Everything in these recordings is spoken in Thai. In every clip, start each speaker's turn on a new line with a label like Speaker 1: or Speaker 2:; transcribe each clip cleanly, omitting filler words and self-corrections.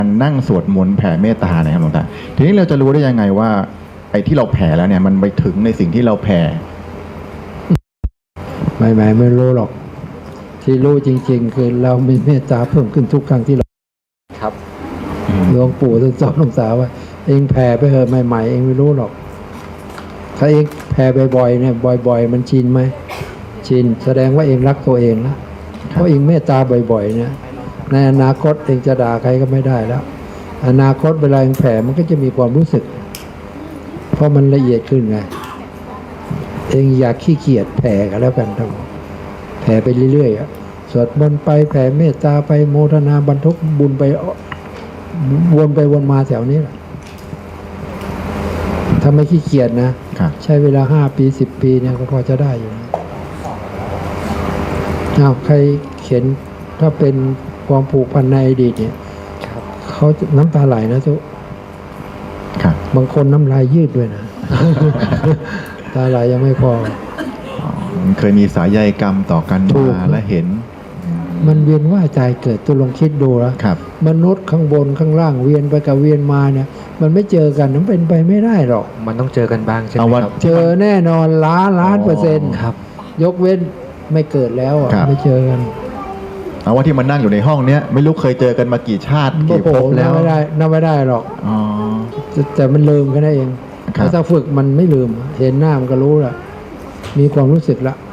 Speaker 1: นั่งสวดมนต์แผ่เมตตานะครับหลวงตาทีนี้เราจะรู้ได้ยังไงว่าไอ้ที่เราแผ่แล้วเนี่ยมันไปถึงในสิ่งที่เราแผ่
Speaker 2: ไม่รู้หรอกที่รู้จริงๆคือเรามีเมตตาเพิ่มขึ้นทุกครั้งที่เรา
Speaker 3: ครับ
Speaker 2: หลวงปู่ท่านสอนหลวงตาว่าเองแผ่ไปเถอะใหม่ๆเองไม่รู้หรอกถ้าเองแผ่บ่อยๆเนี่ยบ่อยๆมันชินไหมชินแสดงว่าเองรักตัวเองนะเพราะเองเมตตาบ่อยๆเนี่ยในอนาคตเองจะด่าใครก็ไม่ได้แล้วอนาคตเวลาเองแผ่มันก็จะมีความรู้สึกเพราะมันละเอียดขึ้นไงเองอยากขี้เกียจแผ่กันแล้วกันทั้งแผ่ไปเรื่อยๆสวดมนต์ไปแผ่เมตตาไปโมทนาบรรทุกบุญไปวนไปวนมาแถวนี้แหละถ้าไม่ขี้เกียจนะใช้เวลา5 ปี10 ปีเนี่ยก็พอจะได้อยู่นะใครเขียนถ้าเป็นความผูกพันในอดีตเนี่ยเขาน้ำตาไหลนะทุกบางคนน้ำลายยืดด้วยนะ ตาไหลยังไม่พอ
Speaker 1: เคยมีสายใยกรรมต่อกันมาและเห็น
Speaker 2: มันเวียนว่ายใจเกิดตัวลองคิดดูแล้วมนุษย์ข้างบนข้างล่างเวียนไปกับเวียนมาเนี่ยมันไม่เจอกันมันเป็นไปไม่ได้หรอก
Speaker 3: มันต้องเจอกันบ้างใช่ไหมครับ
Speaker 2: เจอแน่นอนล้าน%
Speaker 3: ครับ
Speaker 2: ยกเว้นไม่เกิดแล้วไม่เจอกัน
Speaker 1: เอาว่าที่มันนั่งอยู่ในห้องเนี้ยไม่รู้เคยเจอกันมากี่ชาติกี่ภพแล้ว
Speaker 2: นับไม่ได้หรอกแต่มันลืมกันได้เองถ้าฝึกมันไม่ลืมเห็นหน้ามันก็รู้ละมีความรู้สึกละ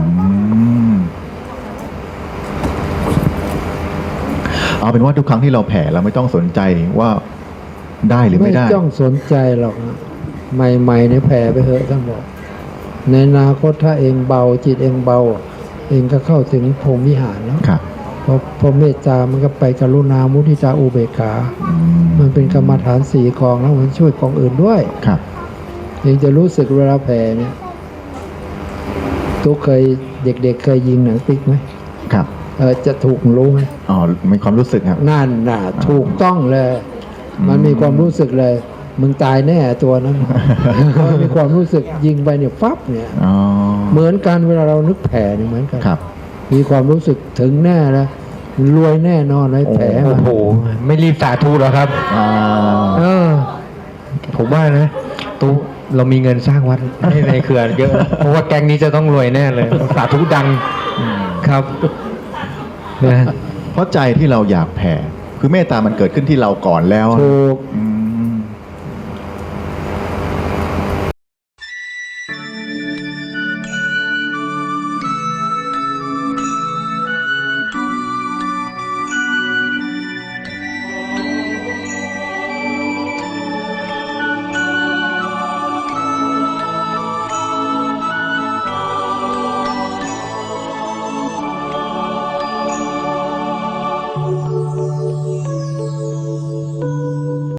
Speaker 1: เอาเป็นว่าทุกครั้งที่เราแผ่เราไม่ต้องสนใจว่าได้หรือไม่ได้
Speaker 2: ไม่ต้องสนใจหรอกใหม่ๆในแผ่ไปเถอะท่านบอกในอนาคตถ้าเองเบาจิตเองเบาเองก็เข้าถึงพรหมวิหารแล้วพอเมตตามันก็ไปกรุณามุทิตาอุเบกขามันเป็นกรรมฐาน4 กองแล้วมันช่วยกองอื่นด้วยเองจะรู้สึกเวลาแผ่เนี่ยตุ๊กเคยเด็กๆเคยยิงหนังติ๊กไหม
Speaker 1: ครับ
Speaker 2: จะถูกรู้ไหม
Speaker 1: อ๋อมีความรู้สึกครับ
Speaker 2: นั่นน่ะถูกต้องเลยมันมีความรู้สึกเลยมึงตายแน่ตัวนั้นมันมีความรู้สึกยิงไปเนี่ยฟับเนี่ยเหมือนกันเวลาเรานึกแผ่เนี่ยเหมือนกันมีความรู้สึกถึงแน่แล้วรวยแน่นอนเลยแผล
Speaker 3: โอ้โหไม่รีบสาธุหรอครับผมว่านะตู้เรามีเงินสร้างวัดในเขื่อนเยอะเพราะว่าแก๊งนี้จะต้องรวยแน่เลยสาธุดังครับ
Speaker 1: เพราะใจที่เราอยากแผ่คือเมตตามันเกิดขึ้นที่เราก่อนแล้ว
Speaker 2: ถูก